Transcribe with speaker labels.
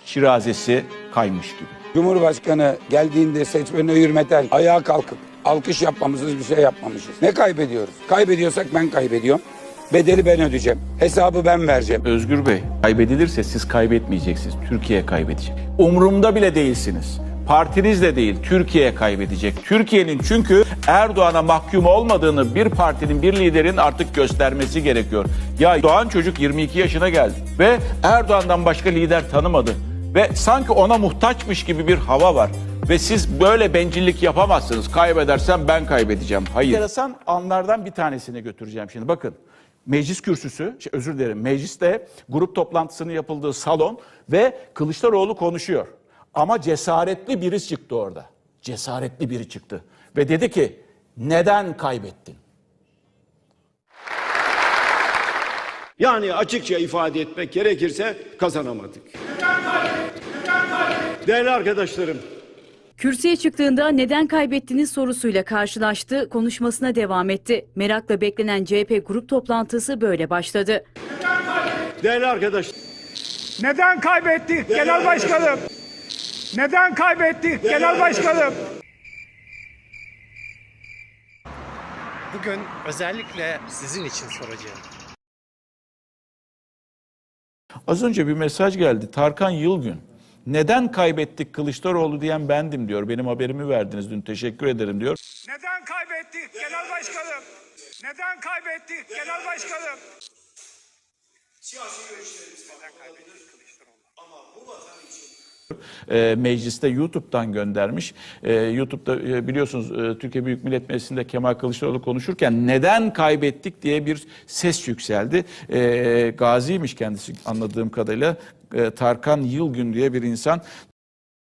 Speaker 1: şirazesi kaymış gibi.
Speaker 2: Cumhurbaşkanı geldiğinde seçmene hürmeten ayağa kalkıp alkış yapmamışız, bir şey yapmamışız. Ne kaybediyoruz? Kaybediyorsak ben kaybediyorum. Bedeli ben ödeyeceğim. Hesabı ben vereceğim.
Speaker 1: Özgür Bey, kaybedilirse siz kaybetmeyeceksiniz. Türkiye kaybedecek. Umurumda bile değilsiniz. Partiniz de değil, Türkiye kaybedecek. Türkiye'nin çünkü Erdoğan'a mahkum olmadığını bir partinin, bir liderin artık göstermesi gerekiyor. Ya doğan çocuk 22 yaşına geldi ve Erdoğan'dan başka lider tanımadı. Ve sanki ona muhtaçmış gibi bir hava var. Ve siz böyle bencillik yapamazsınız. Kaybedersem ben kaybedeceğim. Hayır. Enteresan anlardan bir tanesine götüreceğim şimdi. Bakın. Meclis kürsüsü, özür dilerim, mecliste grup toplantısının yapıldığı salon ve Kılıçdaroğlu konuşuyor. Ama cesaretli biri çıktı orada. Cesaretli biri çıktı. Ve dedi ki, neden kaybettin?
Speaker 3: Yani açıkça ifade etmek gerekirse kazanamadık. Değerli arkadaşlarım,
Speaker 4: Kürsüye çıktığında neden kaybettiniz sorusuyla karşılaştı, konuşmasına devam etti. Merakla beklenen CHP grup toplantısı böyle başladı.
Speaker 3: değerli arkadaşlar.
Speaker 5: Neden kaybettik Genel Başkanım? Neden kaybettik Genel Başkanım?
Speaker 6: Bugün özellikle sizin için soracağım.
Speaker 1: Az önce bir mesaj geldi. Tarkan Yılgün. Neden kaybettik Kılıçdaroğlu diyen bendim diyor. Benim haberimi verdiniz dün, teşekkür ederim diyor.
Speaker 5: Neden kaybettik Genel Başkanım? Neden kaybettik Genel Başkanım? Siyasi görüşlerimiz neden kaybettik Kılıçdaroğlu? Ama bu vatan için
Speaker 1: Mecliste YouTube'dan göndermiş. YouTube'da biliyorsunuz Türkiye Büyük Millet Meclisi'nde Kemal Kılıçdaroğlu konuşurken neden kaybettik diye bir ses yükseldi. Gaziymiş kendisi anladığım kadarıyla. Tarkan Yılgün diye bir insan.